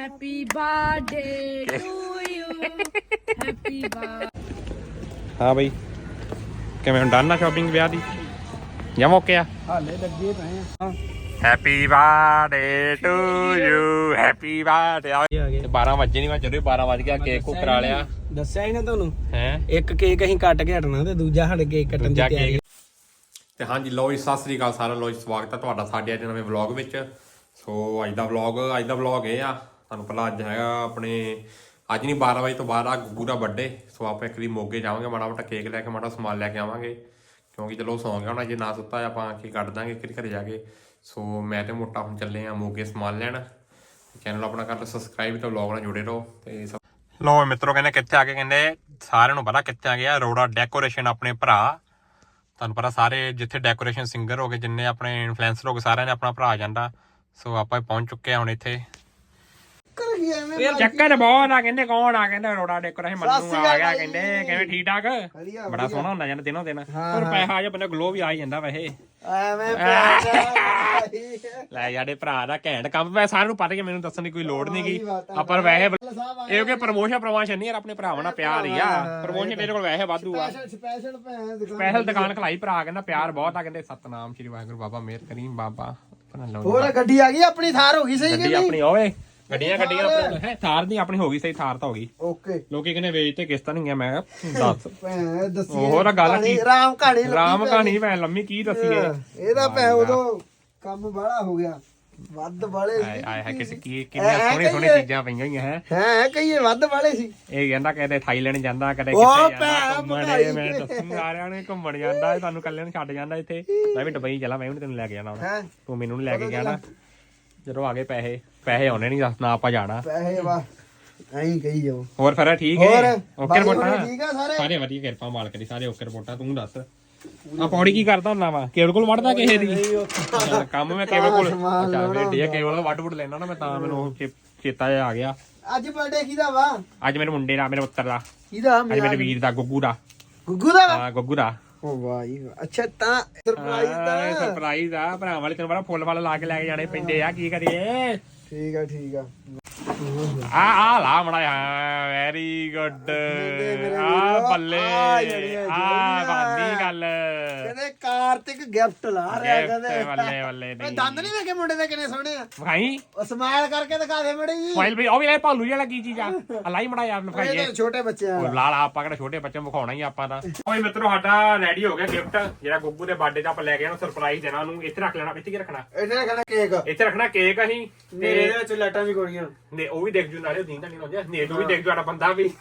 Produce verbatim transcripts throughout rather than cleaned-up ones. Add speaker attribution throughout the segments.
Speaker 1: Happy birthday to you. Happy birthday.
Speaker 2: ਹਾਂ ਬਈ ਕਿਵੇਂ ਹੁਣ ਡਨ ਆ ਸ਼ਾਪਿੰਗ ਵਿਆਹ ਦੀ ਜਾਂ ਮੌਕੇ ਆ
Speaker 3: ਹਾਲੇ ਲੱਗੇ ਪਏ ਆ
Speaker 2: happy birthday to you happy birthday ਆ ਗਏ ਬਾਰਾਂ ਵਜੇ ਨਹੀਂ ਮੈਂ ਜਦੋਂ ਬਾਰਾਂ ਵਜ ਗਿਆ ਕੇਕ ਕੋ ਕਰਾ ਲਿਆ
Speaker 3: ਦੱਸਿਆ ਹੀ ਨਾ ਤੁਹਾਨੂੰ
Speaker 2: ਹੈ
Speaker 3: ਇੱਕ ਕੇਕ ਅਸੀਂ ਕੱਟ ਕੇ ਹਟਣਾ ਤੇ ਦੂਜਾ ਸਾਡੇ ਕੇਕ ਕੱਟਣ ਦੀ ਤਿਆਰੀ
Speaker 2: ਤੇ ਹਾਂਜੀ ਲੋ ਜੀ ਸਤਿ ਸ੍ਰੀ ਅਕਾਲ ਸਾਰਿਆਂ ਨੂੰ ਸਵਾਗਤ ਹੈ ਤੁਹਾਡਾ ਸਾਡੇ ਅੱਜ ਨਵੇਂ ਵਲੌਗ ਵਿੱਚ ਸੋ ਅੱਜ ਦਾ ਵਲੌਗ ਅੱਜ ਦਾ ਵਲੌਗ ਇਹ ਆ ਤੁਹਾਨੂੰ ਪਹਿਲਾਂ ਅੱਜ ਹੈਗਾ ਆਪਣੇ ਅੱਜ ਨਹੀਂ ਬਾਰਾਂ ਵਜੇ ਤੋਂ ਬਾਅਦ ਆ ਗੁੱਗੂ ਦਾ ਬਰਥਡੇ ਸੋ ਆਪਾਂ ਇੱਕ ਵਾਰੀ ਮੋਗੇ ਜਾਵਾਂਗੇ ਮਾੜਾ ਮੋਟਾ ਕੇਕ ਲੈ ਕੇ ਮਾੜਾ ਸਮਾਨ ਲੈ ਕੇ ਆਵਾਂਗੇ ਕਿਉਂਕਿ ਚਲੋ ਸੌਂ ਗਿਆ ਹੁਣ ਜੇ ਨਾ ਸੁੱਤਾ ਆਪਾਂ ਕੀ ਕੱਢ ਦਾਂਗੇ ਕਿ ਘਰੇ ਜਾ ਕੇ ਸੋ ਮੈਂ ਤੇ ਮੋਟਾ ਹੁਣ ਚੱਲੇ ਆ ਮੋਗੇ ਸਮਾਨ ਲੈਣ ਚੈਨਲ ਆਪਣਾ ਕਰ ਲਓ ਸਬਸਕ੍ਰਾਈਬ ਤੇ ਵਲੌਗ ਨਾਲ ਜੁੜੇ ਰਹੋ ਤੇ ਲੋ ਮਿੱਤਰੋ ਕਹਿੰਦੇ ਕਿੱਥੇ ਆ ਕੇ ਕਹਿੰਦੇ ਸਾਰਿਆਂ ਨੂੰ ਪਤਾ ਕਿੱਥੇ ਆ ਗਿਆ ਅਰੋੜਾ ਡੈਕੋਰੇਸ਼ਨ ਆਪਣੇ ਭਰਾ ਤੁਹਾਨੂੰ ਪਤਾ ਸਾਰੇ ਜਿੱਥੇ ਡੈਕੋਰੇਸ਼ਨ ਸਿੰਗਰ ਹੋ ਗਏ ਜਿੰਨੇ ਆਪਣੇ ਇਨਫਲੂਐਂਸਰ ਹੋ ਗਏ ਸਾਰਿਆਂ ਨੇ ਆਪਣਾ ਭਰਾ ਜਾਂਦਾ ਸੋ ਆਪਾਂ ਪਹੁੰਚ ਚੁੱਕੇ ਆ ਹੁਣ ਇੱਥੇ ਚੱਕਰ ਬਹੁਤ ਆ ਕਹਿੰਦੇ ਕੌਣ ਆ ਕਹਿੰਦੇ ਅਰੋੜਾ ਡੈਕੋਰੇਸ਼ਨ ਮੰਨੂ ਆ ਗਿਆ ਕਹਿੰਦੇ ਕਿਵੇਂ ਠੀਕ ਠਾਕ ਬੜਾ ਸੋਹਣਾ ਹੁੰਦਾ ਜਾਂਦਾ ਦਿਨੋਂ ਦਿਨ ਪਰ ਪੈਸਾ ਆ ਜਾ ਬੰਦਾ ਗਲੋ ਵੀ ਆ ਹੀ ਜਾਂਦਾ ਵੈਸੇ
Speaker 3: ਐਵੇਂ
Speaker 2: ਲੈ ਯਾਰੇ ਭਰਾ ਦਾ ਘੈਂਟ ਕੰਮ ਵੈ ਸਾਰਿਆਂ ਨੂੰ ਪਤਾ ਕਿ ਮੈਨੂੰ ਦੱਸਣ ਦੀ ਕੋਈ ਲੋੜ ਨਹੀਂ ਗਈ ਆਪਾਂ ਵੈਸੇ ਇਹ ਕਿ ਪ੍ਰਮੋਸ਼ਨ ਪ੍ਰਮੋਸ਼ਨ ਨਹੀਂ ਯਾਰ ਆਪਣੇ ਭਰਾਵਾਂ ਨਾਲ ਪਿਆਰ ਹੀ ਆ ਪ੍ਰਮੋਸ਼ਨ ਤੇਰੇ ਕੋਲ ਵੈਸੇ ਵਾਧੂ ਆ ਸਪੈਸ਼ਲ ਦੁਕਾਨ ਖਲਾਈ ਭਰਾ ਕਹਿੰਦਾ ਪਿਆਰ ਬਹੁਤ ਆ ਕਹਿੰਦੇ ਸਤਨਾਮ ਸ਼੍ਰੀ ਵਾਹਿਗੁਰੂ ਬਾਬਾ ਮਿਹਰ ਕਰੀਮ ਬਾਬਾ
Speaker 3: ਹੋਰ ਗੱਡੀ ਆ ਗਈ ਆਪਣੀ ਥਾਰ ਹੋ ਗਈ ਸਹੀ
Speaker 2: ਗੱਡੀ ਆਪਣੀ ਓਏ ਗੱਡੀਆਂ ਗੱਡੀਆਂ ਆਪਣੇ ਹੈ ਥਾਰ ਦੀ ਆਪਣੀ ਹੋ ਗਈ ਸਹੀ ਥਾਰ ਤਾਂ ਹੋ ਗਈ
Speaker 3: ਓਕੇ
Speaker 2: ਲੋਕੀ ਕਹਿੰਦੇ ਵੇਚ ਤੇ ਕਿਸ਼ਤਾਂ ਨਹੀਂ ਗਿਆ ਮੈਂ ਦੱਸ
Speaker 3: ਦੱਸੀ
Speaker 2: ਹੋਰ ਗੱਲ ਕੀ
Speaker 3: ਰਾਮ ਕਹਾਣੀ
Speaker 2: ਰਾਮ ਕਹਾਣੀ ਭੈ ਲੰਮੀ ਕੀ ਦੱਸੀਏ
Speaker 3: ਇਹਦਾ ਭੈ ਉਦੋਂ ਕੰਮ ਬਾਹਲਾ ਹੋ ਗਿਆ ਵੱਧ ਵਾਲੇ
Speaker 2: ਆਏ ਆਏ ਕਿਸੇ ਕੀ ਕਿੰਨੀਆਂ ਸੋਹਣੀ ਸੋਹਣੀ ਚੀਜ਼ਾਂ ਪਈਆਂ ਹੋਈਆਂ ਹੈ
Speaker 3: ਹੈ ਕਈਏ ਵੱਧ ਵਾਲੇ ਸੀ
Speaker 2: ਇਹ ਕਹਿੰਦਾ ਕਦੇ ਥਾਈਲੈਂਡ ਜਾਂਦਾ ਕਦੇ ਕਿੱਥੇ ਜਾਂਦਾ ਘੁੰਮਣ ਮੈਂ ਦੱਸੂ ਸਾਰਿਆਂ ਨੇ ਘੁੰਮਣ ਜਾਂਦਾ ਤੁਹਾਨੂੰ ਕੱਲੇ ਨੂੰ ਛੱਡ ਜਾਂਦਾ ਇੱਥੇ ਮੈਂ ਵੀ ਦੁਬਈ ਚਲਾ ਮੈਂ ਵੀ ਤੈਨੂੰ ਲੈ ਕੇ ਜਾਣਾ ਹੁਣ ਤੂੰ ਮੈਨੂੰ ਨਹੀਂ ਲੈ ਕੇ ਗਿਆ ਨਾ ਜਦੋਂ ਆ ਗਏ ਪੈਸੇ ਪੈਸੇ ਆਉਣੇ ਨਹੀਂ ਦੱਸ ਨਾ ਆਪਾਂ ਜਾਣਾ
Speaker 3: ਪੈਸੇ ਵਾ ਐਂ ਕਹੀ ਜਾਓ
Speaker 2: ਹੋਰ ਫਿਰ ਠੀਕ ਹੈ ਓਕੇ ਰਿਪੋਰਟਾਂ
Speaker 3: ਠੀਕ ਆ ਸਾਰੇ
Speaker 2: ਸਾਰੇ ਵਧੀਆ ਕਿਰਪਾ ਮਾਲਕ ਦੀ ਸਾਰੇ ਓਕੇ ਰਿਪੋਰਟਾਂ ਤੂੰ ਦੱਸ ਆ ਪੌੜੀ ਕੀ ਕਰਦਾ ਹੁੰਦਾ ਵਾ ਕੇਵਲ ਕੋਲ ਵੜਦਾ ਕਿਸੇ ਦੀ ਕੰਮ ਮੈਂ ਕੇਵਲ ਕੋਲ ਅੱਛਾ ਵੇਡੀ ਕੇਵਲ ਵੱਡ ਵੁੱਡ ਲੈਣਾ ਨਾ ਮੈਂ ਤਾਂ ਮੈਨੂੰ ਚੇਤਾ ਆ ਗਿਆ
Speaker 3: ਅੱਜ ਬਰਥਡੇ ਕਿਹਦਾ ਵਾ ਅੱਜ
Speaker 2: ਮੇਰੇ ਮੁੰਡੇ ਦਾ ਮੇਰੇ ਪੁੱਤਰ ਦਾ
Speaker 3: ਕਿਹਦਾ
Speaker 2: ਅੱਜ ਮੇਰੇ ਵੀਰ ਦਾ ਗੁੱਗੂ ਦਾ
Speaker 3: ਗੁੱਗੂ ਦਾ
Speaker 2: ਹਾਂ ਗੁੱਗੂ ਦਾ
Speaker 3: ਓ ਵਾਹੀ ਅੱਛਾ ਤਾਂ ਸਰਪ੍ਰਾਈਜ਼ ਦਾ
Speaker 2: ਸਰਪ੍ਰਾਈਜ਼ ਆ ਭਰਾ ਵਾਲੇ ਤੈਨੂੰ ਬੜਾ ਫੁੱਲ ਫਲ ਲਾ ਕੇ ਲੈ ਕੇ ਜਾਣੇ ਪੈਂਦੇ ਆ ਕੀ ਕਰੀਏ
Speaker 3: ਠੀਕ ਆ ਠੀਕ ਆ
Speaker 2: ਆ ਆ ਲਾ ਮੜਾ ਵੈਰੀ ਗੁੱਡ ਆ ਬੱਲੇ ਆ ਬਾਦੀ ਗੱਲ
Speaker 3: ਕਹਿੰਦੇ ਕਾਰਤਿਕ ਗਿਫਟ ਲਾ ਰਿਹਾ ਕਹਿੰਦੇ
Speaker 2: ਬੱਲੇ ਬੱਲੇ
Speaker 3: ਇਹ ਦੰਦ ਨਹੀਂ ਵੇਖੇ ਮੁੰਡੇ ਦੇ ਕਿੰਨੇ ਸੋਹਣੇ ਆ
Speaker 2: ਵਿਖਾਈ
Speaker 3: ਉਹ ਸਮਾਈਲ ਕਰਕੇ ਦਿਖਾ ਦੇ ਮੜੀ ਜੀ
Speaker 2: ਫਾਈਲ ਵੀ ਉਹ ਵੀ ਲੈ ਭਾਲੂ ਜਿਹਾ ਲੱਗੀ ਚੀਜ਼ ਆ ਲਾਈ ਮੜਾ ਯਾਰ ਵਿਖਾਈਏ
Speaker 3: ਛੋਟੇ ਬੱਚੇ ਆ
Speaker 2: ਲਾਲ ਆਪਾਂ ਕਿਹੜਾ ਛੋਟੇ ਬੱਚੇ ਨੂੰ ਵਿਖਾਉਣਾ ਹੀ ਆਪਾਂ ਤਾਂ ਓਏ ਮਿੱਤਰੋ ਸਾਡਾ ਰੈਡੀ ਹੋ ਗਿਆ ਗਿਫਟ ਜਿਹੜਾ ਗੁੱਗੂ ਦੇ ਬਰਥਡੇ ਦਾ ਆਪਾਂ ਲੈ ਕੇ ਆਣਾ ਸਰਪ੍ਰਾਈਜ਼ ਦੇਣਾ ਉਹਨੂੰ ਇੱਥੇ ਰੱਖ ਲੈਣਾ ਇੱਥੇ ਕੀ ਰੱਖਣਾ
Speaker 3: ਇੱਥੇ ਰੱਖਣਾ ਕੇਕ
Speaker 2: ਇੱਥੇ ਰੱਖਣਾ ਕੇਕ ਅਸੀਂ
Speaker 3: ਤੇ ਇਹਦੇ ਵਿੱਚ ਲਾਈਟਾਂ ਵੀ ਗੋਲੀਆਂ
Speaker 2: ਨੇ ਉਹ ਵੀ ਦੇਖ ਜੂ ਨਾਲੇ ਦੀਂਦਾ ਨਹੀਂ ਲਾਉਂਦੇ ਨੇ ਨੂੰ ਵੀ ਦੇਖ ਜੂ ਸਾਡਾ ਬੰਦਾ ਵੀ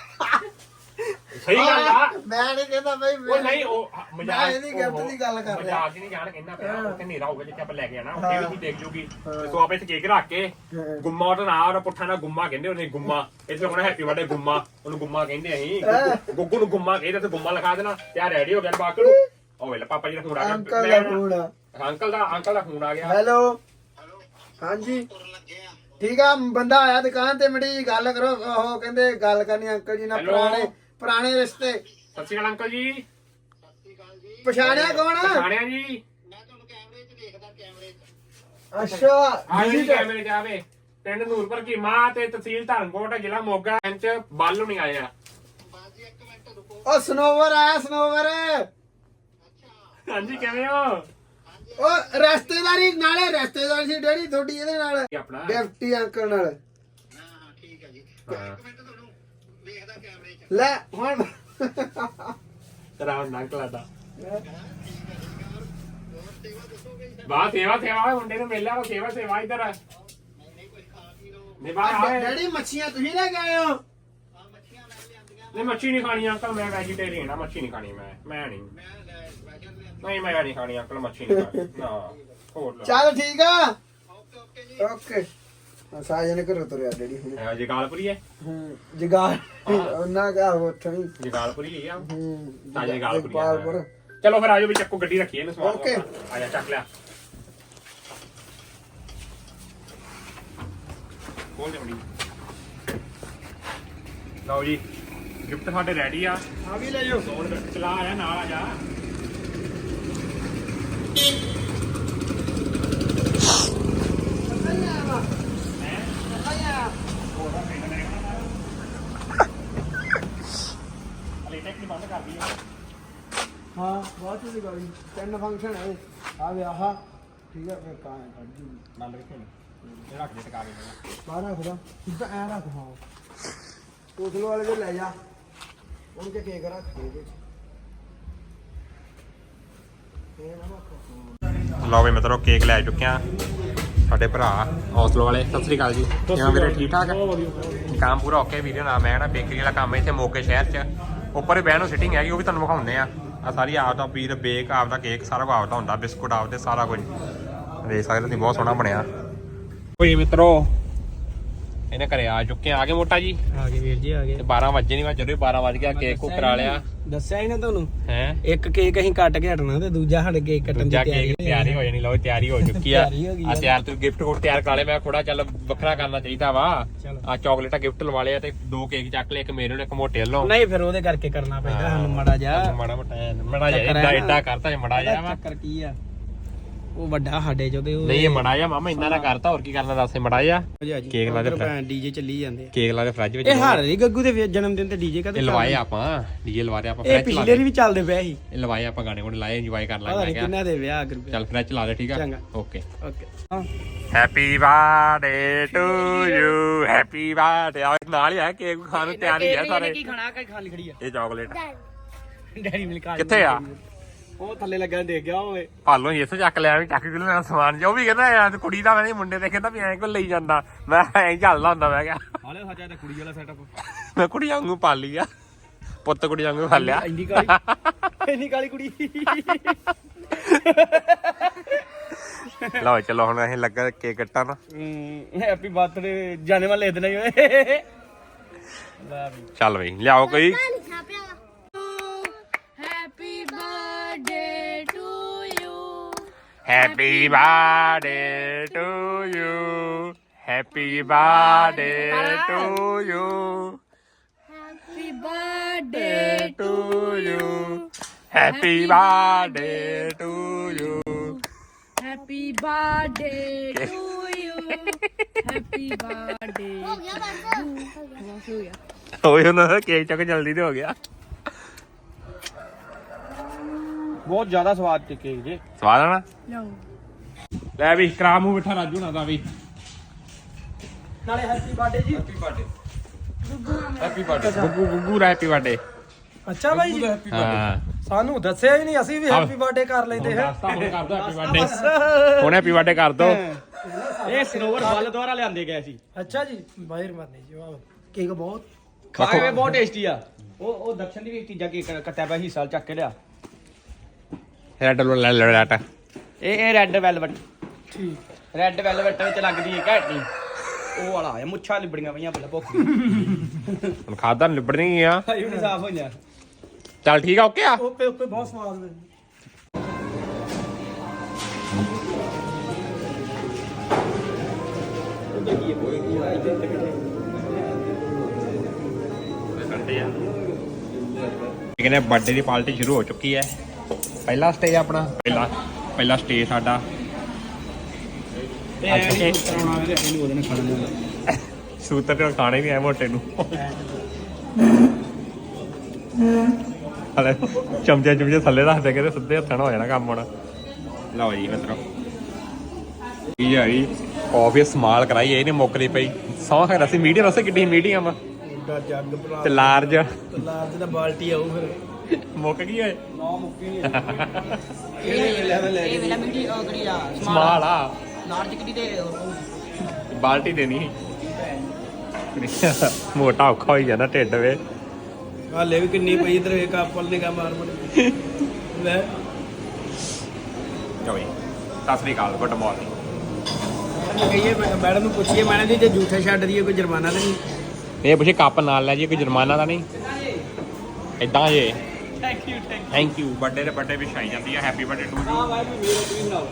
Speaker 2: ਸਹੀ ਗੱਲ ਆ
Speaker 3: ਮੈਂ ਨਹੀਂ ਕਹਿੰਦਾ ਬਈ
Speaker 2: ਉਹ ਨਹੀਂ ਉਹ ਮਜ਼ਾਕ
Speaker 3: ਇਹਦੀ ਗਿਫਟ ਦੀ ਗੱਲ ਕਰ ਰਿਹਾ
Speaker 2: ਮਜ਼ਾਕ ਨਹੀਂ ਜਾਣ ਕਹਿੰਦਾ ਪਿਆ ਉੱਥੇ ਹਨੇਰਾ ਹੋਊਗਾ ਜਿੱਥੇ ਆਪਾਂ ਲੈ ਕੇ ਆਣਾ ਉੱਥੇ ਵੀ ਦੇਖ ਜੂਗੀ ਸੋ ਆਪਾਂ ਇੱਥੇ ਕੇਕ ਰੱਖ ਕੇ ਗੁੰਮਾ ਉਹਦਾ ਨਾਂ ਪੁੱਠਾ ਨਾ ਗੁੰਮਾ ਕਹਿੰਦੇ ਉਹਨੇ ਗੁੰਮਾ ਇੱਥੇ ਹੋਣਾ ਹੈਪੀ ਬਰਥਡੇ ਗੁੰਮਾ ਉਹਨੂੰ ਗੁੰਮਾ ਕਹਿੰਦੇ ਅਸੀਂ ਗੁੱਗੂ ਨੂੰ ਗੁੰਮਾ ਕਹਿੰਦੇ ਤੇ ਗੁੰਮਾ ਲਿਖਾ ਦੇਣਾ ਤੇ ਰੈਡੀ ਹੋ ਗਿਆ ਬਾਕੀ ਨੂੰ ਉਹ ਵੇਲੇ ਪਾਪਾ ਜੀ ਦਾ ਫੋਨ ਆ ਗਿਆ
Speaker 3: ਅੰਕਲ ਦਾ ਫੋਨ ਆ
Speaker 2: ਅੰਕਲ ਦਾ ਅੰਕਲ ਦਾ ਫੋਨ ਆ ਗਿਆ
Speaker 3: ਹੈਲੋ ਹਾਂਜੀ ਠੀਕ ਆ ਬੰਦਾ ਆਇਆ ਦੁਕਾਨ ਤੇ ਮੜੀ ਗੱਲ ਕਰੋ ਉਹ ਕਹਿੰਦੇ ਗੱਲ ਕਰਨੀ ਅੰਕਲ ਜੀ ਨਾਲ ਪੁਰਾਣੇ ਪੁਰਾਣੇ ਰਿਸ਼ਤੇ
Speaker 2: ਸਤਿ ਸ਼੍ਰੀ ਅਕਾਲ ਅੰਕਲ ਜੀ
Speaker 3: ਸਤਿ ਸ਼੍ਰੀ ਅਕਾਲ ਜੀ ਪਛਾਣਿਆ ਕੌਣ
Speaker 2: ਪਛਾਣਿਆ ਜੀ
Speaker 3: ਮੈਂ ਤੁਹਾਨੂੰ ਕੈਮਰੇ 'ਚ ਦੇਖਦਾ ਕੈਮਰੇ 'ਚ ਅੱਛਾ
Speaker 2: ਆ ਜੀ ਕੈਮਰੇ 'ਚ ਆਵੇ ਪਿੰਡ ਨੂਰਪੁਰ ਕੀ ਮਾਂ ਤੇ ਤਹਿਸੀਲ ਧਰਮਕੋਟ ਜ਼ਿਲ੍ਹਾ ਮੋਗਾ ਇੰਚ ਬੱਲ ਨਹੀਂ ਆਇਆ ਬਾਜੀ ਇੱਕ ਮਿੰਟ ਰੁਕੋ ਉਹ
Speaker 3: ਸਨੋਵਰ ਆਇਆ ਸਨੋਵਰ
Speaker 2: ਅੱਛਾ ਹਾਂਜੀ ਕਿਵੇਂ ਹੋ
Speaker 3: ਉਹ ਰਿਸ਼ਤੇਦਾਰੀ ਨਾਲੇ ਰਿਸ਼ਤੇਦਾਰੀ ਸੀ ਡੈਡੀ ਤੁਹਾਡੀ ਇਹਦੇ ਨਾਲ
Speaker 2: ਆਪਣਾ
Speaker 3: ਗਿਫਟੀ ਅੰਕਲ ਨਾਲ
Speaker 2: ਹਾਂ ਹਾਂ ਠੀਕ ਹੈ ਜੀ ਇੱਕ ਮਿੰਟ ਤੁਹਾਨੂੰ ਵੇਖਦਾ ਕੈਮਰੇ 'ਚ
Speaker 3: ਲੈ ਹੁਣ
Speaker 2: ਤੇਰਾ ਹੁਣ ਅੰਕਲ ਆਦਾ ਬਾਹ ਸੇਵਾ ਸੇਵਾ ਮੁੰਡੇ ਨੂੰ ਮਿਲਿਆ ਉਹ ਸੇਵਾ ਸੇਵਾ ਇਧਰ ਨਹੀਂ ਬਾਹਰ ਆਏ
Speaker 3: ਡੈਡੀ ਮੱਛੀਆਂ ਤੁਸੀਂ ਲੈ ਕੇ ਆਏ ਹੋ
Speaker 2: ਹਾਂ ਮੱਛੀਆਂ ਮੈਂ ਲਿਆਂਦੀਆਂ ਨਹੀਂ ਮੱਛੀ ਨਹੀਂ ਖਾਣੀ ਅੰਕਲ ਮੈਂ ਵੈਜੀਟੇਰੀਅਨ ਆ ਮੱਛੀ ਨਹੀਂ ਖਾਣੀ ਮੈਂ ਮੈਂ ਨਹੀਂ ਨਹੀਂ ਮੈਂ ਨਹੀਂ ਖਾਣੀ ਅੰਕਲ ਮੱਛੀ ਨਹੀਂ ਖਾਣੀ ਨਾ ਹੋਰ
Speaker 3: ਚੱਲ ਠੀਕ ਆ ਓਕੇ ਓਕੇ ਜੀ ਓਕੇ ਸਾਜਨ ਘਰੋਂ ਤੁਰਿਆ ਡੈਡੀ ਹੁਣ
Speaker 2: ਹੈ ਜਗਾਲਪੁਰੀ ਹੈ
Speaker 3: ਹੂੰ ਜਗਾਲ ਉਹਨਾਂ ਦਾ ਉੱਥੋਂ ਹੀ
Speaker 2: ਜਗਾਲਪੁਰੀ ਹੀ ਆ
Speaker 3: ਹੂੰ
Speaker 2: ਤਾਂ ਜਗਾਲਪੁਰੀ
Speaker 3: ਜਗਪਾਲਪੁਰ
Speaker 2: ਚਲੋ ਫਿਰ ਆਜੋ ਵੀ ਚੱਕੋ ਗੱਡੀ ਰੱਖੀਏ ਇਹਨੂੰ ਸਮਾਨ
Speaker 3: ਓਕੇ
Speaker 2: ਆ ਜਾ ਚੱਕ ਲਿਆ ਖੋਲ ਦੇ ਮੜੀ ਲਓ ਜੀ ਗਿਫਟ ਸਾਡੇ ਰੈਡੀ ਆ
Speaker 3: ਆ ਵੀ ਲੈ ਜਾਓ
Speaker 2: ਸੋਨ ਚਲਾ ਆਇਆ ਨਾਲ ਆ ਜਾ
Speaker 3: ਹਾਂ ਬਹੁਤ ਚੀਜ਼ ਗਾਲੀ ਤਿੰਨ ਫੰਕਸ਼ਨ ਹੈ ਆ ਵਿਆਹ ਠੀਕ ਹੈ ਫਿਰ ਕਾਂ ਕੱਢ ਜੂ
Speaker 2: ਨੰਦ ਕਿੱਥੇ ਨੇ ਇਹ ਰੱਖ ਦੇ ਟਕਾ ਕੇ
Speaker 3: ਬਾਹਰ ਰੱਖਦਾ ਸਿੱਧਾ ਐ ਰੱਖ ਹਾਂ ਕੋਸਲ ਵਾਲੇ ਦੇ ਲੈ ਜਾ ਉਹਨੂੰ ਕਿ ਕੇਕ ਰੱਖ ਦੇ ਵਿੱਚ ਇਹ ਨਾ ਰੱਖ
Speaker 2: ਲਓ ਵੀ ਮਿੱਤਰੋ ਕੇਕ ਲੈ ਚੁੱਕੇ ਆ ਸਾਡੇ ਭਰਾ ਹੌਸਲੋ ਵਾਲੇ। ਸਤਿ ਸ੍ਰੀ ਅਕਾਲ ਜੀ, ਕਿਵੇਂ ਵੀਰੇ? ਠੀਕ ਠਾਕ ਕੰਮ ਪੂਰਾ ਓਕੇ ਵੀਡੀਓ ਨਾ ਮੈਂ ਨਾ ਬੇਕਰੀ ਵਾਲਾ ਕੰਮ ਇੱਥੇ ਮੋਗੇ ਸ਼ਹਿਰ 'ਚ ਉੱਪਰ ਹੀ ਬਹਿਣ ਨੂੰ ਸਿਟਿੰਗ ਹੈਗੀ, ਉਹ ਵੀ ਤੁਹਾਨੂੰ ਵਿਖਾਉਂਦੇ ਆ। ਆ ਸਾਰੀ ਆਪ ਦਾ ਵੀਰ ਬੇਕ ਆਪ ਦਾ ਕੇਕ ਸਾਰਾ ਕੁਝ ਆਪਦਾ ਹੁੰਦਾ, ਬਿਸਕੁਟ ਆਪਦੇ ਸਾਰਾ ਕੁਝ ਦੇਖ ਸਕਦੇ ਤੁਸੀਂ, ਬਹੁਤ ਸੋਹਣਾ ਬਣਿਆ। ਕੋਈ ਮਿੱਤਰੋ ਇਹਨੇ ਘਰੇ ਆ ਚੁੱਕੇ ਆ ਗਏ ਮੋਟਾ ਜੀ
Speaker 4: ਆ ਗਏ ਵੀਰ ਜੀ ਆ ਗਏ।
Speaker 2: ਤੇ ਬਾਰਾਂ ਵਜੇ ਨਹੀਂ ਵਾ ਜਦੋਂ ਬਾਰਾਂ ਵਜ ਗਿਆ ਕੇਕ ਕੋ ਕਰਾ ਲਿਆ।
Speaker 4: ਦੱਸਿਆ ਹੀ ਨਾ ਤੁਹਾਨੂੰ,
Speaker 2: ਹੈ
Speaker 4: ਇੱਕ ਕੇਕ ਅਸੀਂ ਕੱਟ ਕੇ ਹਟਣਾ ਤੇ ਦੂਜਾ ਸਾਡੇ ਕੇਕ ਕੱਟਣ ਦੀ
Speaker 2: ਦੂਜਾ
Speaker 4: ਤਿਆਰੀ
Speaker 2: ਕੇਕ ਤਿਆਰੀ ਹੋ ਜਾਣੀ। ਲਓ ਤਿਆਰੀ ਹੋ ਚੁੱਕੀ ਆ।
Speaker 4: ਤਿਆਰੀ ਹੋ ਗਈ
Speaker 2: ਆ ਤਿਆਰ ਤੂੰ ਗਿਫਟ ਕੋਟ ਤਿਆਰ ਕਰਾ ਲਿਆ। ਮੈਂ ਥੋੜਾ ਚੱਲ ਵੱਖਰਾ ਕਰਨਾ ਚਾਹੀਦਾ ਵਾ। ਆ ਚਾਕਲੇਟਾਂ ਗਿਫਟ ਲਵਾ ਲਿਆ ਤੇ ਦੋ ਕੇਕ ਚੱਕ ਲਏ, ਇੱਕ ਮੇਰੇ ਨੂੰ ਇੱਕ ਮੋਟੇ ਵੱਲੋਂ।
Speaker 4: ਨਹੀਂ ਫਿਰ ਉਹਦੇ ਕਰਕੇ ਕਰਨਾ ਪੈਂਦਾ ਸਾਨੂੰ ਮੜਾ ਜਾ
Speaker 2: ਮਾੜਾ ਮੋਟਾ ਮੜਾ ਜਾ ਏਡਾ ਏਡਾ ਕਰਤਾ ਮੜਾ ਜਾ ਵਾ।
Speaker 4: ਚੱਕਰ ਕੀ ਆ, ਉਹ ਵੱਡਾ ਸਾਡੇ ਚੋਂ ਤੇ ਉਹ
Speaker 2: ਨਹੀਂ ਇਹ ਮੜਾ ਜਾ ਮਾਮਾ ਇੰਨਾ ਨਾ ਕਰਤਾ, ਹੋਰ ਕੀ ਕਰਨਾ ਦੱਸ। ਮੜਾ ਜਾ ਕੇਕ ਲਾ ਦੇ
Speaker 4: ਡੀਜੇ ਚੱਲੀ ਜਾਂਦੇ ਆ।
Speaker 2: ਕੇਕ ਲਾ ਦੇ ਫ੍ਰਿਜ ਵਿੱਚ।
Speaker 4: ਇਹ ਹਰ ਰਹੀ ਗੱਗੂ ਦੇ ਜਨਮ ਦਿਨ ਤੇ ਡੀਜੇ ਕਦੇ
Speaker 2: ਇਹ ਲਵਾਏ ਆਪਾਂ ਡੀਜੇ ਲਵਾ ਰਿਆ ਆਪਾਂ
Speaker 4: ਇਹ
Speaker 2: ਫ੍ਰਿਜ ਲਾ
Speaker 4: ਪਿਛਲੇ ਵੀ ਚੱਲਦੇ ਪਏ ਸੀ।
Speaker 2: ਇਹ ਲਵਾਏ ਆਪਾਂ ਗਾਣੇ ਕੋਲ ਲਾਏ ਇੰਜੋਏ ਕਰ
Speaker 4: ਪਤਾ
Speaker 2: ਲਾਂਗੇ।
Speaker 4: ਨਹੀਂ ਕਿੰਨਾ ਦੇ ਵਿਆਹ ਕਰ
Speaker 2: ਚੱਲ ਫ੍ਰਿਜ ਲਾ ਦੇ ਠੀਕ ਆ।
Speaker 4: ਚੰਗਾ
Speaker 2: ਓਕੇ
Speaker 4: ਓਕੇ ਹਾਂ
Speaker 2: happy birthday to you happy birthday. ਆ ਨਾਲ ਹੀ ਆ ਕੇਕ ਖਾਣ ਨੂੰ ਤਿਆਰ ਹੀ ਆ ਸਾਰੇ।
Speaker 4: ਕੀ ਖਾਣਾ ਕਿ ਖਾਲੀ ਖੜੀ ਆ
Speaker 2: ਇਹ ਚਾਕਲੇਟ
Speaker 4: ਡੈਰੀ ਮਿਲਕ ਆ
Speaker 2: ਕਿੱਥੇ ਆ?
Speaker 4: ਉਹ ਥੱਲੇ ਲੱਗਾ ਦੇਖ ਗਿਆ ਓਏ।
Speaker 2: ਭਾਲੋਂ ਇਸ ਚੱਕ ਲਿਆ ਵੀ ਚੱਕ ਕੇ ਲੈਣਾ ਸਮਾਨ ਜੋ ਵੀ ਕਹਿੰਦਾ ਯਾਰ ਕੁੜੀ ਦਾ ਮੈਂ ਮੁੰਡੇ ਦੇ ਕਹਿੰਦਾ ਵੀ ਐਂ ਕੋ ਲਈ ਜਾਂਦਾ। ਮੈਂ ਐਂ ਚੱਲਦਾ ਹੁੰਦਾ ਮੈਂ ਕਿਹਾ
Speaker 4: ਹਾਲੇ ਸੱਚਾ ਤੇ ਕੁੜੀ ਵਾਲਾ ਸੈਟਅਪ
Speaker 2: ਮੈਂ ਕੁੜੀ ਵਾਂਗੂ ਪਾਲੀ ਆ, ਪੁੱਤ ਕੁੜੀ ਵਾਂਗੂ ਪਾਲਿਆ।
Speaker 4: ਇੰਨੀ ਕਾਲੀ ਇੰਨੀ ਕਾਲੀ ਕੁੜੀ।
Speaker 2: ਲਓ ਚਲੋ ਹੁਣ ਅਸੀਂ ਲੱਗਾ ਕੇਕ ਕੱਟਣ।
Speaker 4: ਹੈਪੀ ਬਰਥਡੇ ਜਾਣੇ ਵਾਲੇ ਇਤਨਾ ਹੀ ਓਏ।
Speaker 2: ਚੱਲ ਬਈ ਲਿਆਓ ਕੋਈ।
Speaker 1: Happy birthday to you.
Speaker 2: Happy birthday to you happy birthday to you
Speaker 1: Happy birthday
Speaker 2: to you happy birthday to you
Speaker 1: Happy birthday to you. Happy birthday. ਹੋ ਗਿਆ ਬਸ ਹੋ ਗਿਆ।
Speaker 2: ਹੋਏ ਉਹਨਾਂ ਦਾ ਕੇਕ ਚੱਕ ਜਲਦੀ ਤੇ ਹੋ ਗਿਆ।
Speaker 4: ਬਹੁਤ ਜ਼ਿਆਦਾ ਸਵਾਦ ਤੇ ਕੇਕ ਜੇ।
Speaker 2: ਸਵਾਦ ਆਣਾ
Speaker 1: ਲਓ
Speaker 2: ਲੈ ਵੀ ਕਰਾ ਮੂੰਹ ਬਿਠਾ ਰਾਜੂ ਨਾ ਦਾ ਵੀ।
Speaker 4: ਨਾਲੇ ਹੈਪੀ ਬਰਥਡੇ ਜੀ।
Speaker 2: Happy birthday happy birthday Guggu Guggu ਦਾ ਹੈਪੀ ਬਰਥਡੇ।
Speaker 4: ਅੱਛਾ ਬਾਈ ਜੀ
Speaker 2: ਹਾਂ
Speaker 4: ਸਾਨੂੰ ਦੱਸਿਆ ਹੀ ਨਹੀਂ, ਅਸੀਂ ਵੀ ਹੈਪੀ ਬਰਥਡੇ ਕਰ ਲੈਂਦੇ ਹਾਂ।
Speaker 2: ਹੁਣ ਕਰ ਦੋ ਹੈਪੀ ਬਰਥਡੇ। ਹੁਣ ਹੈਪੀ ਬਰਥਡੇ ਕਰ ਦੋ।
Speaker 4: ਇਹ ਸਰੋਵਰ ਫਲ ਦੁਆਰਾ ਲਿਆਂਦੇ ਗਏ ਸੀ। ਅੱਛਾ ਜੀ ਬਾਹਰ ਮਾਰਨੇ ਜੀ। ਵਾਹ ਕੇਕ ਬਹੁਤ ਖਾਏ ਵੇ ਬਹੁਤ ਟੇਸਟੀ ਆ। ਉਹ ਉਹ ਦਕਸ਼ਨ ਦੀ ਵੀ ਚੀਜ਼ਾਂ ਕੇਕ ਕੱਟਿਆ ਪਿਆ ਹਿੱਸਾ ਚੱਕ ਕੇ ਲਿਆ।
Speaker 2: ਰੈਡ ਲੈ ਲੈ ਰੈਟ
Speaker 4: ਇਹ ਇਹ ਰੈੱਡ ਵੈਲਵਟ। ਠੀਕ ਰੈੱਡ ਵੈਲਵਟ ਵਿੱਚ ਲੱਗਦੀ ਹੈ ਘੈਂਟੀ। ਉਹ ਵਾਲਾ ਆ ਮੁੱਛਾਂ ਲਿਬੜੀਆਂ ਪਈਆਂ ਪਹਿਲਾਂ ਭੁੱਖ ਦੀ।
Speaker 2: ਹੁਣ ਖਾਦਾ ਲਿਬੜਨੀ ਆ।
Speaker 4: ਭਾਈ ਵੀ ਸਾਫ ਹੋਈਆਂ।
Speaker 2: ਚੱਲ ਠੀਕ ਆ ਓਕੇ ਆ।
Speaker 4: ਓਕੇ ਓਕੇ ਬਹੁਤ ਸਵਾਦ ਨੇ।
Speaker 2: ਕਹਿੰਦੇ ਬਰਥਡੇ ਦੀ ਪਾਰਟੀ ਸ਼ੁਰੂ ਹੋ ਚੁੱਕੀ ਹੈ। ਪਹਿਲਾ ਸਟੇਜ ਆਪਣਾ ਪਹਿਲਾ ਪਹਿਲਾ ਸਟੇਜ ਸਾਡਾ। ਸੂਤਰ ਤੇ ਖਾਣੇ ਵੀ ਐ ਮੋਟੇ ਨੂੰ। ਹਲੇ ਚਮਚੇ ਚਮਚੇ ਥੱਲੇ ਰੱਖਦੇ ਕਹਿੰਦੇ ਸਿੱਧੇ ਹੱਥਾਂ ਨਾਲ ਹੋ ਜਾਣਾ ਕੰਮ ਹੁਣ। ਲਓ ਜੀ ਮਿੱਤਰੋ ਕੀ ਆ ਜੀ ਕਾਫੀ ਸਮਾਲ ਕਰਾਈ ਇਹ ਨਹੀਂ ਮੁੱਕਦੀ ਪਈ। ਸੌਂ ਖੈਰ ਅਸੀਂ ਮੀਡੀਅਮ ਅਸੀਂ ਕਿੱਡੀ ਮੀਡੀਅਮ
Speaker 4: ਜੱਗ
Speaker 2: ਤੇ ਲਾਰਜ
Speaker 4: ਲਾਰਜ ਦਾ ਬਾਲਟੀ ਆਉ ਫਿਰ
Speaker 2: ਮੁੱਕ ਗਈ ਓਏ।
Speaker 4: ਨਾ ਮੁੱਕੀ ਨਹੀਂ। ਇਹ ਇਹ ਵੇਲਾ ਮਿੰਟੀ ਉਹ ਕਰੀ ਆ
Speaker 2: ਸਮਾਲ ਆ
Speaker 4: ਲਾਰਜ ਕਿੱਡੀ ਤੇ
Speaker 2: ਬਾਲਟੀ ਦੇਣੀ ਮੋਟਾ ਔਖਾ ਹੋਈ ਜਾਂਦਾ ਢਿੱਡ ਵੇ।
Speaker 4: ਹਾਲੇ ਵੀ ਕਿੰਨੀ ਪਈ ਇਧਰ ਇੱਕ ਆਪਲ ਨੇ ਕਾ ਮਾਰ ਮੜ ਲੈ।
Speaker 2: ਚੋਈ ਸਤਿ ਸ੍ਰੀ ਅਕਾਲ ਗੁੱਡ ਮਾਰਨਿੰਗ।
Speaker 4: ਕਹੀਏ ਮੈਡਮ ਨੂੰ ਪੁੱਛੀਏ ਮੈਡਮ ਜੀ ਜੇ ਝੂਠੇ ਛੱਡ ਦਈਏ ਕੋਈ ਜੁਰਮਾਨਾ ਤਾਂ ਨਹੀਂ?
Speaker 2: ਇਹ ਪੁੱਛੇ ਕੱਪ ਨਾਲ ਲੈ ਜੀ ਕੋਈ ਜੁਰਮਾਨਾ ਤਾਂ ਨਹੀਂ ਇਦਾਂ ਜੇ।
Speaker 4: Thank you thank
Speaker 2: thank you. Birthday ਦੇ ਬਰਥਡੇ ਵਿਸ਼ ਆਈ ਜਾਂਦੀ ਹੈ ਹੈਪੀ ਬਰਥਡੇ ਟੂ
Speaker 4: ਯੂ। ਹਾਂ ਭਾਈ ਮੇਰੇ ਤੁਸੀਂ ਬਣਾਓ।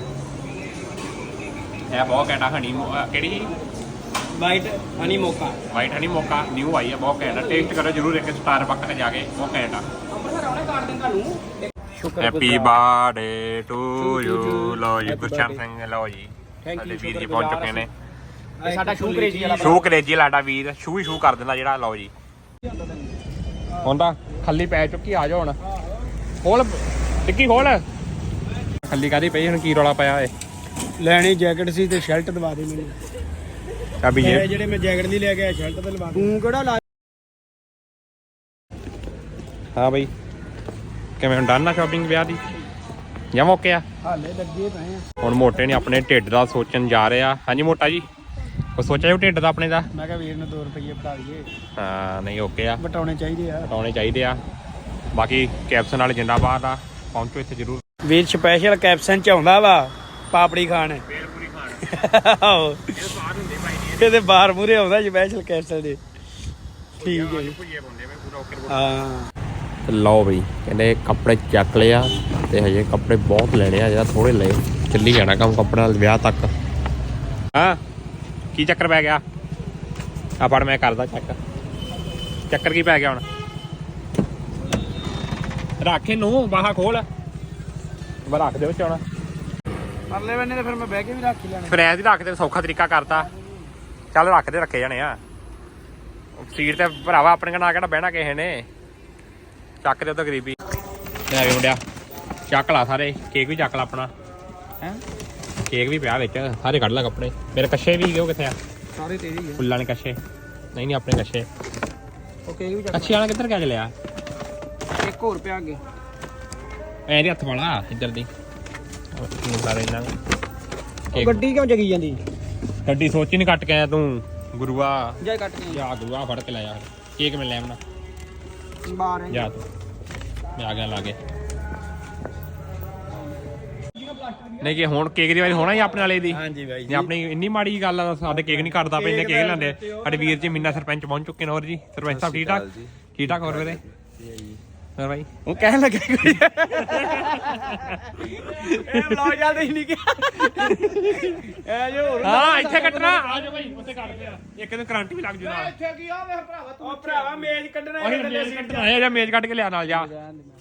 Speaker 2: ਇਹ ਬਹੁਤ ਘੈਂਟਾ ਹਣੀ ਕਿਹੜੀ
Speaker 4: white honey mocha.
Speaker 2: White honey mocha new ਆਈ ਹੈ ਬਹੁਤ ਘੈਂਟਾ। ਟੇਸਟ ਕਰੋ ਜਰੂਰ ਇੱਕ ਸਟਾਰ ਬੱਕ ਤੇ ਜਾ ਕੇ ਬਹੁਤ ਘੈਂਟਾ।
Speaker 4: ਅੰਮ੍ਰਿਤਸਰ ਆਉਣੇ ਕਾਰਡ ਦਿਨ ਤੁਹਾਨੂੰ।
Speaker 2: Happy birthday to you. ਲਓ ਜੀ ਗੁਰਚਰਨ ਸਿੰਘ ਲਓ ਜੀ ਸਾਡੇ ਵੀਰ ਜੀ ਪਹੁੰਚ ਚੁੱਕੇ ਨੇ।
Speaker 4: ਸਾਡਾ ਸ਼ੂ ਕਰੇਜੀ ਵਾਲਾ
Speaker 2: ਸ਼ੂ ਕਰੇਜੀ ਲਾਡਾ ਵੀਰ ਸ਼ੂ ਹੀ ਸ਼ੂ ਕਰ ਦਿੰਦਾ ਜਿਹੜਾ। ਲਓ ਜੀ ਹੁਣ ਤਾਂ ਖੱਲੀ ਪੈ ਚੁੱਕੀ, ਆ ਜਾਓ ਹੁਣ। ਖੋਲ ਟਿੱਕੀ ਖੋਲ। ਖੱਲੀ ਕਾਦੀ ਪਈ ਹੁਣ, ਕੀ ਰੌਲਾ ਪਿਆ ਏ?
Speaker 4: ਲੈਣੀ ਜੈਕਟ ਸੀ ਤੇ ਸ਼ਰਟ ਦਵਾ ਦੇ ਮੈਨੂੰ।
Speaker 2: ਚਾਬੀ ਜੇ
Speaker 4: ਜਿਹੜੇ ਮੈਂ ਜੈਕਟ ਨਹੀਂ ਲੈ ਕੇ ਆਇਆ ਸ਼ਰਟ ਤੇ ਲਵਾ ਦੇ। ਤੂੰ ਕਿਹੜਾ ਲਾ?
Speaker 2: ਹਾਂ ਬਈ, ਕਿਵੇਂ ਹੁਣ ਡਨ ਆ ਸ਼ਾਪਿੰਗ ਵਿਆਹ ਦੀ ਜਾਂ ਮੌਕੇ ਆ?
Speaker 4: ਹਾਲੇ ਲੱਗੇ ਪਏ ਆ।
Speaker 2: ਹੁਣ ਮੋਟੇ ਨੇ ਆਪਣੇ ਢਿੱਡ ਦਾ ਸੋਚਣ ਜਾ ਰਹੇ ਆ। ਹਾਂਜੀ ਮੋਟਾ ਜੀ, ਉਹ ਸੋਚਿਆ ਜੋ ਢਿੱਡ ਦਾ ਆਪਣੇ ਦਾ?
Speaker 4: ਮੈਂ ਕਿਹਾ ਵੀਰ ਨੂੰ ਦੋ ਰੁਪਏ ਬਤਾ ਦਈਏ।
Speaker 2: ਹਾਂ ਨਹੀਂ ਓਕੇ ਆ,
Speaker 4: ਬਟਾਉਣੇ ਚਾਹੀਦੇ ਆ।
Speaker 2: ਹਟਾਉਣੇ ਚਾਹੀਦੇ ਆ। ਬਾਕੀ ਕੈਪਸ਼ਨ ਵਾਲੇ ਜਿੰਦਾਬਾਦ ਆ, ਪਹੁੰਚੋ ਇੱਥੇ ਜ਼ਰੂਰ।
Speaker 4: ਵੀਰ ਸਪੈਸ਼ਲ ਕੈਪਸ਼ਨ ਚ ਆਉਂਦਾ ਵਾ ਪਾਪੜੀ ਖਾਣ।
Speaker 2: ਬੇਲਪੂਰੀ ਖਾਣ
Speaker 4: ਆਹੋ
Speaker 2: ਇਹ ਸਵਾਦ ਹੁੰਦੇ ਭਾਈ ਜੀ।
Speaker 4: ਇਹਦੇ ਬਾਹਰ ਮੂਰੇ ਆਉਂਦਾ ਸਪੈਸ਼ਲ ਕੈਪਸ਼ਨ ਦੇ। ਠੀਕ ਹੈ ਜੀ।
Speaker 2: ਭੁਜੀਏ ਪਾਉਂਦੇ ਮੈਂ ਪੂਰਾ ਓਕੇ।
Speaker 4: ਹਾਂ
Speaker 2: ਲਓ ਬਈ, ਕਹਿੰਦੇ ਕੱਪੜੇ ਚੱਕ ਲਏ ਆ ਤੇ ਹਜੇ ਕੱਪੜੇ ਬਹੁਤ ਲੈਣੇ ਆ, ਜਿਹੜਾ ਥੋੜੇ ਲਏ। ਚੱਲੀ ਜਾਣਾ ਕੰਮ ਕੱਪੜਿਆਂ ਨਾਲ ਵਿਆਹ ਤੱਕ। ਹਾਂ ਕੀ ਚੱਕਰ ਪੈ ਗਿਆ? ਆ ਫੜ ਮੈਂ ਕਰਦਾ ਚੈੱਕ। ਚੱਕਰ ਕੀ ਪੈ ਗਿਆ ਹੁਣ? ਰੱਖ ਇਹਨੂੰ, ਬਾਹਾਂ ਖੋਲ। ਮੈਂ ਰੱਖ ਦੇ ਵਿੱਚ ਹੁਣ।
Speaker 4: ਪਰਲੇ ਬੰਨੇ ਤੇ ਫਿਰ ਮੈਂ ਬਹਿ ਕੇ ਵੀ ਰੱਖ ਹੀ ਲੈਣਾ।
Speaker 2: ਫਿਰ ਐਂ ਦੀ ਰੱਖ ਦੇ, ਸੌਖਾ ਤਰੀਕਾ ਕਰਤਾ। ਚੱਲ ਰੱਖ ਦੇ, ਰੱਖੇ ਜਾਣੇ ਆ ਸੀਟ ਤੇ ਭਰਾਵਾ। ਆਪਣੇ ਕੋਲ ਨਾ ਕਿਹੜਾ ਬਹਿਣਾ ਕਿਸੇ ਨੇ। ਚੱਕ ਦੇ ਉਹਦਾ ਗਰੀਬੀ। ਲੈ ਵੀ ਮੁੰਡਿਆ ਚੱਕ ਲਾ ਸਾਰੇ। ਕੇਕ ਵੀ ਚੱਕ ਲਾ ਆਪਣਾ।
Speaker 4: ਹੈ
Speaker 2: ਕੇਕ ਵੀ ਪਿਆ ਵਿੱਚ, ਸਾਰੇ ਕੱਢ ਲਾ ਕੱਪੜੇ। ਮੇਰੇ ਕੱਛੇ ਵੀ ਉਹ ਕਿੱਥੇ ਆ?
Speaker 4: ਸਾਰੇ ਤੇਰੀ ਆ।
Speaker 2: ਫੁੱਲਾਂ ਨੇ ਕੱਛੇ ਨਹੀਂ ਨਹੀਂ ਆਪਣੇ ਕੱਛੇ।
Speaker 4: ਉਹ ਕੇਕ ਵੀ ਚੱਕ।
Speaker 2: ਕੱਛੇ ਵਾਲਾ ਕਿੱਧਰ ਗਿਆ ਚਲਿਆ?
Speaker 4: ਇੱਕ ਹੋਰ ਪਿਆ ਅੱਗੇ।
Speaker 2: ਐ ਦੇ ਹੱਥ ਵਾਲਾ ਇੱਧਰ ਦੀ ਸਾਰੇ ਇਹਨਾਂ
Speaker 4: ਉਹ ਗੱਡੀ ਕਿਉਂ ਜਗੀ ਜਾਂਦੀ?
Speaker 2: ਗੱਡੀ ਸੋਚੀ ਨਹੀਂ ਕੱਟ ਕੇ ਆਇਆ ਤੂੰ ਗੁਰੂਆ।
Speaker 4: ਜਾ ਕੱਟ ਕੇ
Speaker 2: ਜਾ ਗੁਰੂਆ ਫੜ ਕੇ ਲੈ ਜਾ ਕੇਕ ਮੈਂ ਲੈ ਆਉਣਾ।
Speaker 4: ਬਾਹਰ
Speaker 2: ਜਾ ਤੂੰ, ਮੈਂ ਆ ਗਿਆ ਲਾ ਕੇ। ਨਹੀਂ ਕਿ ਹੁਣ ਕੇਕ ਦੀ ਵਾਰੀ ਹੋਣਾ ਹੀ ਆਪਣੇ ਵਾਲੇ ਦੀ।
Speaker 4: ਹਾਂਜੀ ਬਾਈ
Speaker 2: ਜੇ ਆਪਣੀ ਇੰਨੀ ਮਾੜੀ ਗੱਲ ਆ, ਸਾਡੇ ਕੇਕ ਨਹੀਂ ਕੱਟਦਾ ਪਏ, ਇਹਨੇ ਕੇਕ ਲੈਂਦੇ। ਸਾਡੇ ਵੀਰ ਜੀ ਮੀਨਾ ਸਰਪੰਚ ਪਹੁੰਚ ਚੁੱਕੇ ਨੇ। ਹੋਰ ਜੀ ਸਰਪੰਚ ਸਾਹਿਬ ਠੀਕ ਠਾਕ? ਠੀਕ ਠਾਕ ਹੋਰ ਵੀਰੇ? ਹੋਰ ਬਾਈ
Speaker 4: ਉਹ ਕਹਿਣ ਲੱਗਾ ਕੋਈ ਇਹ ਬਲੌਗ ਚੱਲਦੇ ਹੀ ਨਹੀਂ ਗਿਆ। ਐ ਜੋ ਹੋਰ
Speaker 2: ਹਾਂ ਇੱਥੇ ਕੱਟਣਾ। ਆ ਜਾ ਬਾਈ ਉੱਥੇ ਕੱਟਦੇ ਆ। ਇੱਕ ਦਿਨ ਕਰੰਟ ਵੀ ਲੱਗ ਜੂ ਨਾਲ।
Speaker 4: ਇੱਥੇ ਕੀ ਆ ਵੇ ਭਰਾਵਾ ਤੂੰ? ਉਹ ਭਰਾਵਾ ਮੇਜ਼ ਕੱਢਣਾ
Speaker 2: ਉਹੀ ਮੇਜ਼ ਕੱਟਣਾ ਹੈ ਜਾਂ ਮੇਜ਼ ਕੱਟ ਕੇ ਲਿਆ ਨਾਲ ਜਾ।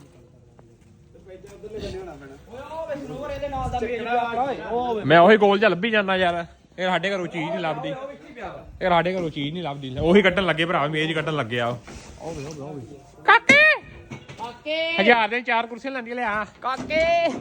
Speaker 2: ਮੈਂ ਉਹੀ ਗੋਲ ਜਿਹਾ ਲੱਭੀ ਜਾਂਦਾ ਯਾਰ। ਇਹ ਸਾਡੇ ਘਰੋਂ ਚੀਜ਼ ਨਹੀਂ ਲੱਭਦੀ। ਇਹ ਸਾਡੇ ਘਰੋਂ ਚੀਜ਼ ਨਹੀਂ ਲੱਭਦੀ। ਉਹੀ ਕੱਟਣ ਲੱਗੇ ਭਰਾ, ਮੇਜ਼ ਕੱਟਣ ਲੱਗੇ ਆ। ਕਾਕੇ ਕਾਕੇ ਹਜ਼ਾਰ ਦੇ ਚਾਰ ਕੁਰਸੀਆਂ ਲੈਂਦੀਆਂ ਲਿਆ। ਕਾਕੇ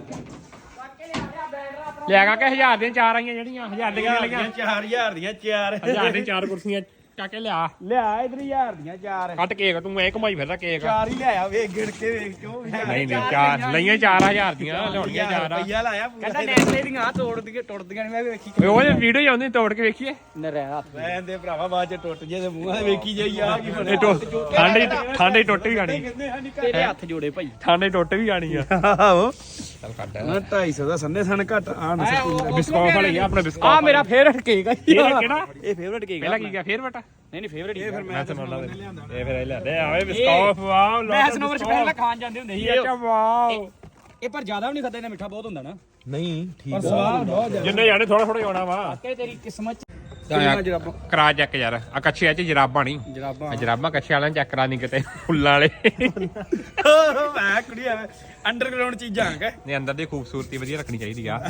Speaker 2: ਲਿਆ ਕਾਕੇ, ਹਜ਼ਾਰ ਦੀਆਂ ਚਾਰ ਆਈਆਂ ਜਿਹੜੀਆਂ ਹਜ਼ਾਰ ਦੀਆਂ ਲਈਆਂ।
Speaker 4: ਚਾਰ ਹਜ਼ਾਰ ਦੀਆਂ ਚਾਰ
Speaker 2: ਹਜ਼ਾਰ ਦੀਆਂ ਚਾਰ ਕੁਰਸੀਆਂ ਕਾਕੇ ਲਿਆ।
Speaker 4: ਲਿਆ ਇਧਰ ਹਜ਼ਾਰ ਦੀਆਂ ਚਾਰ।
Speaker 2: ਕੱਟ ਕੇਕ ਤੂੰ ਐ ਘੁਮਾਈ ਫਿਰਦਾ ਕੇਕ।
Speaker 4: ਚਾਰ ਹੀ ਲਿਆਇਆ ਵੇਖ ਗਿਣ ਕੇ ਵੇਖ ਕਿਉਂ?
Speaker 2: ਨਹੀਂ ਨਹੀਂ ਚਾਰ ਲਈਆਂ, ਚਾਰ ਹਜ਼ਾਰ ਦੀਆਂ ਲਿਆਉਣੀਆਂ ਚਾਰ ਆ।
Speaker 4: ਰੁਪਈਆ ਲਾਇਆ ਕਹਿੰਦਾ ਨੈਕਲੇ ਦੀਆਂ ਤੋੜਦੀਆਂ ਟੁੱਟਦੀਆਂ ਨਹੀਂ। ਮੈਂ ਵੇਖੀ
Speaker 2: ਉਹ ਵੀਡੀਓ ਹੀ ਆਉਂਦੀ, ਤੋੜ ਕੇ ਵੇਖੀਏ।
Speaker 4: ਨਰੇ ਹੱਥ ਲੈਂਦੇ ਭਰਾਵਾ, ਬਾਅਦ ਚ ਟੁੱਟ ਜੇ ਤੇ ਮੂੰਹਾਂ ਵੇਖੀ ਜਾਈ ਆ ਕੀ ਬਣਿਆ।
Speaker 2: ਠੰਡ ਠੰਡ ਹੀ ਟੁੱਟ ਵੀ ਜਾਣੀ।
Speaker 4: ਤੇਰੇ ਹੱਥ ਜੋੜੇ ਭਾਈ।
Speaker 2: ਠੰਡ ਹੀ ਟੁੱਟ ਵੀ ਜਾਣੀ ਆ।
Speaker 4: ਆਹੋ
Speaker 2: ਚੱਲ ਕੱਢ
Speaker 4: ਮੈਂ ਢਾਈ ਸੌ ਦਾ ਸੰਨੇ ਸਨ ਘੱਟ ਆ ਨਾ ਸੱਤੀ।
Speaker 2: ਬਿਸਕੌਫ ਵਾਲੀ ਆ ਆਪਣੇ ਬਿਸਕੌਫ।
Speaker 4: ਆ ਮੇਰਾ ਫੇਵਰਟ ਕੇਕ ਆ।
Speaker 2: ਕਿਹੜਾ?
Speaker 4: ਇਹ ਫੇਵਰਟ ਕੇਕ
Speaker 2: ਪਹਿਲਾਂ ਕੀ ਗਿਆ ਫੇਰ ਬਟਾ?
Speaker 4: ਨਹੀਂ ਨਹੀਂ ਫੇਵਰਟ ਹੀ ਫਿਰ
Speaker 2: ਮੈਂ ਸੁਣਾ ਲਾ। ਇਹ ਫਿਰ ਇਹ ਲੈਦੇ ਆਵੇ ਬਿਸਕੌਫ। ਵਾਓ
Speaker 4: ਮੈਂ ਸਨੋਵਰ ਚ ਪਹਿਲਾਂ ਖਾਣ ਜਾਂਦੇ ਹੁੰਦੇ ਸੀ।
Speaker 2: ਅੱਛਾ ਵਾਓ।
Speaker 4: ਇਹ ਪਰ ਜ਼ਿਆਦਾ ਵੀ ਨਹੀਂ ਖਾਦਾ, ਇਹਨਾਂ ਮਿੱਠਾ ਬਹੁਤ ਹੁੰਦਾ ਨਾ।
Speaker 3: ਨਹੀਂ ਠੀਕ
Speaker 4: ਪਰ ਸਵਾਦ ਬਹੁਤ ਜ਼ਿਆਦਾ।
Speaker 2: ਜਿੰਨੇ ਜਾਣੇ ਥੋੜਾ ਥੋੜਾ ਆਉਣਾ ਵਾ।
Speaker 4: ਕਿ ਤੇਰੀ ਕਿਸਮਤ ਚ
Speaker 2: ਜਰਾਬਾਂ ਕਰਾ ਚੈੱਕ ਯਾਰ। ਆ ਕੱਛੇ ਚ ਜਰਾਬਾਂ ਨਹੀਂ,
Speaker 4: ਜਰਾਬਾਂ
Speaker 2: ਜਰਾਬਾਂ ਕੱਛੇ ਵਾਲਿਆਂ ਚੈੱਕ ਕਰਾ ਨਹੀਂ ਕਿਤੇ ਫੁੱਲਾਂ ਵਾਲੇ।
Speaker 4: ਮੈਂ ਕੁੜੀ ਐ ਅੰਡਰਗਰਾਉਂਡ ਚੀਜ਼ਾਂ ਆ
Speaker 2: ਨੇ ਅੰਦਰ ਦੀ ਖੂਬਸੂਰਤੀ ਵਧੀਆ ਰੱਖਣੀ ਚਾਹੀਦੀ ਆ।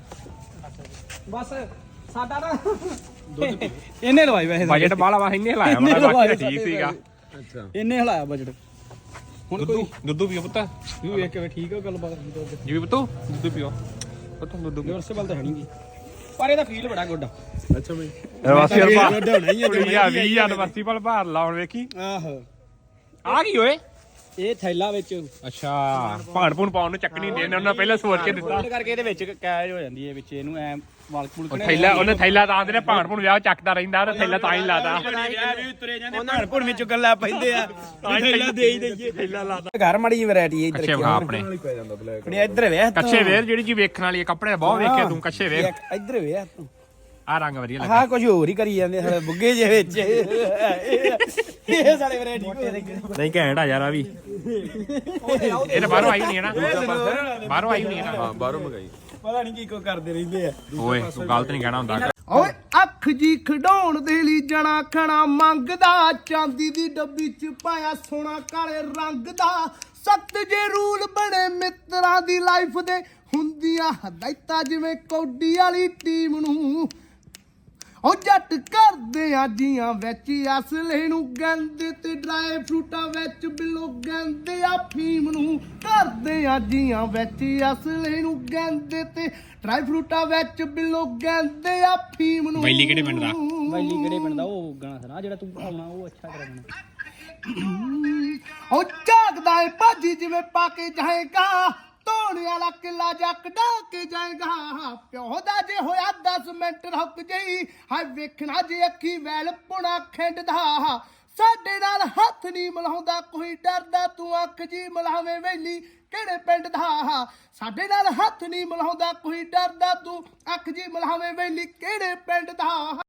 Speaker 4: ਬਸ ਸਾਡਾ ਨਾ ਇਹਨੇ ਲਵਾਈ ਵੈਸੇ
Speaker 2: ਬਜਟ ਬਾਲਾ ਵਾ ਇੰਨੇ ਲਾਇਆ ਵਾ, ਬਾਕੀ ਠੀਕ ਸੀਗਾ।
Speaker 3: ਅੱਛਾ
Speaker 4: ਇਹਨੇ ਹਲਾਇਆ ਬਜਟ। ਹੁਣ
Speaker 2: ਦੁੱਧੂ ਦੁੱਧੂ ਪੀਓ ਪੁੱਤ।
Speaker 4: ਤੂੰ ਵੇਖ ਕੇ ਠੀਕ ਆ ਗੱਲਬਾਤ।
Speaker 2: ਜੀ ਪੁੱਤੂ ਦੁੱਧੂ ਪੀਓ ਪੁੱਤ ਦੁੱਧੂ ਪੀਓ।
Speaker 4: ਰਿਵਰਸੇਬਲ ਤਾਂ ਹੈ ਨਹੀਂ ਪਰ ਇਹਦਾ ਫੀਲ ਬੜਾ ਗੁੱਡ ਆ।
Speaker 3: ਅੱਛਾ ਬਈ
Speaker 2: ਵਾਸੀ ਅਲਪਾ
Speaker 4: ਹੋਣਾ ਹੀ ਆ
Speaker 2: ਕੁੜੀਆ ਵੀਹ ਯੂਨੀਵਰਸਿਟੀ ਪਰ ਭਾਰ ਲਾਉਣ ਵੇਖੀ।
Speaker 4: ਆਹੋ
Speaker 2: ਆ ਕੀ ਓਏ?
Speaker 4: ਇਹ ਥੈਲਾ ਵਿੱਚ
Speaker 2: ਅੱਛਾ ਭਾਣ ਭੂਣ ਪਾਉਣ ਨੂੰ ਚੱਕਣੀ ਦੇ ਨੇ ਉਹਨਾਂ ਪਹਿਲਾਂ ਸੋਚ ਕੇ ਦਿੱਤਾ।
Speaker 4: ਫੋਲਡ ਕਰਕੇ ਇਹਦੇ ਵਿੱਚ ਕੈਜ ਹੋ ਜਾਂਦੀ ਹੈ ਵਿੱਚ ਇਹਨੂੰ ਐ ਵਾਲ ਕੁਲ
Speaker 2: ਉਹ ਥੈਲਾ ਉਹਨੇ ਥੈਲਾ ਤਾਂ ਆਂਦੇ ਨੇ ਭਾਣ ਭੂਣ ਵਿਆਹ ਚੱਕਦਾ ਰਹਿੰਦਾ ਉਹਨੇ ਥੈਲਾ ਤਾਂ ਹੀ ਲਾਦਾ।
Speaker 4: ਤੁਰੇ ਜਾਂਦੇ ਭਾਣ ਭੁਣ ਵਿੱਚ ਗੱਲਾਂ ਪੈਂਦੇ ਆ ਥੈਲਾ ਦੇ ਹੀ ਦਈਏ।
Speaker 2: ਥੈਲਾ ਲਾਦਾ।
Speaker 4: ਘਰ ਮੜੀ ਜਿਹੀ ਵੈਰਾਈਟੀ ਇੱਧਰ
Speaker 2: ਕੱਛੇ ਵਿਖਾ ਆਪਣੇ
Speaker 4: ਕੁੜੀ ਇੱਧਰ ਵੇਖ
Speaker 2: ਕੱਛੇ ਵੇਰ ਜਿਹੜੀ ਜੀ ਵੇਖਣ ਵਾਲੀ ਕੱਪੜੇ ਬਹੁਤ ਵੇਖਿਆ ਤੂੰ। ਕੱਛੇ ਵੇਰ
Speaker 4: ਇੱਧਰ ਵੇਖ ਤੂੰ
Speaker 2: ਆ ਰੰਗ ਵਧੀਆ ਲੱਗਾ।
Speaker 4: ਹਾਂ ਕੁਝ ਹੋਰ ਹੀ ਕਰੀ ਜਾਂਦੇ ਸਾਰੇ ਬੁੱਗੇ ਜੇ ਵਿੱਚ ਇਹ ਸਾਰੇ ਵੈਰਾਈਟੀ
Speaker 2: ਨਹੀਂ ਘੈਂਟ ਆ ਯਾਰ ਆ ਵੀ। ਇਹ ਤਾਂ ਬਾਹਰੋਂ ਆਈ ਨਹੀਂ ਹੈ ਨਾ? ਬਾਹਰੋਂ ਆਈ ਨਹੀਂ ਹੈ ਨਾ?
Speaker 3: ਬਾਹਰੋਂ ਮੰਗਾਈ।
Speaker 4: ਪਤਾ ਨਹੀਂ ਕੀ ਕੋ ਕਰਦੇ ਰਹਿੰਦੇ ਆ।
Speaker 2: ਓਏ ਤੂੰ ਗਲਤ ਨਹੀਂ ਕਹਿਣਾ ਹੁੰਦਾ।
Speaker 5: ਓਏ ਅੱਖ ਜੀ ਖਡਾਉਣ ਦੇ ਲਈ ਜਣਾ ਖਣਾ ਮੰਗਦਾ, ਚਾਂਦੀ ਦੀ ਡੱਬੀ ਚ ਪਾਇਆ ਸੋਨਾ ਕਾਲੇ ਰੰਗ ਦਾ। ਸਖਤ ਜੇ ਰੂਲ ਬਣੇ ਮਿੱਤਰਾਂ ਦੀ ਲਾਈਫ ਦੇ, ਹੁੰਦੀਆਂ ਹਦਾਇਤਾਂ ਜਿਵੇਂ ਕੌਡੀ ਵਾਲੀ ਟੀਮ ਨੂੰ। ਉਹ ਜੱਟ ਕਰਦੇ ਆ ਜੀਆਂ ਵਿੱਚ ਅਸਲੇ ਨੂੰ ਗੰਦੇ ਤੇ ਡਰਾਈ ਫਰੂਟਾਂ ਵਿੱਚ ਬਿੱਲੋ ਗੰਦੇ ਆ ਫੀਮ ਨੂੰ ਕਰਦੇ ਆ ਜੀਆਂ ਵਿੱਚ ਅਸਲੇ ਨੂੰ ਗੰਦੇ ਤੇ ਡਰਾਈ ਫਰੂਟਾਂ ਵਿੱਚ ਬਿੱਲੋ ਗੰਦੇ ਆ ਫੀਮ ਨੂੰ
Speaker 2: ਵੈਲੀ ਕਿਹੜੇ ਪਿੰਡ ਦਾ
Speaker 4: ਵੈਲੀ ਕਿਹੜੇ ਪਿੰਡ ਦਾ ਉਹ ਗਾਣਾ ਸੁਣਾ ਜਿਹੜਾ ਤੂੰ ਆਉਣਾ ਉਹ ਅੱਛਾ ਤੇਰਾ ਗਾਣਾ
Speaker 5: ਉਹ ਝਾਕਦਾ ਏ ਭਾਜੀ ਜਿਵੇਂ ਪਾ ਕੇ ਜਾਏਗਾ ਧੋਣ ਵਾਲਾ ਕਿੱਲਾ ਜੱਕ ਡਾ ਕੇ ਜਾਏਗਾ ਪਿਓ ਦਾ ਜੇ ਹੋਇਆ ਦਸ ਮਿੰਟ ਰੁਕ ਜਈ ਹਾਏ ਵੇਖਣਾ ਜੇ ਅੱਖੀ ਵੈਲ ਪੁਣਾ ਖਿੰਡਦਾ ਸਾਡੇ ਨਾਲ ਹੱਥ ਨਹੀਂ ਮਿਲਾਉਂਦਾ ਕੋਈ ਡਰਦਾ ਤੂੰ ਅੱਖ ਜੀ ਮਿਲਾਵੇਂ ਵੈਲੀ ਕਿਹੜੇ ਪਿੰਡ ਦਾ ਸਾਡੇ ਨਾਲ ਹੱਥ ਨਹੀਂ ਮਿਲਾਉਂਦਾ ਕੋਈ ਡਰਦਾ ਤੂੰ ਅੱਖ ਜੀ ਮਿਲਾਵੇਂ ਵੈਲੀ ਕਿਹੜੇ ਪਿੰਡ ਦਾ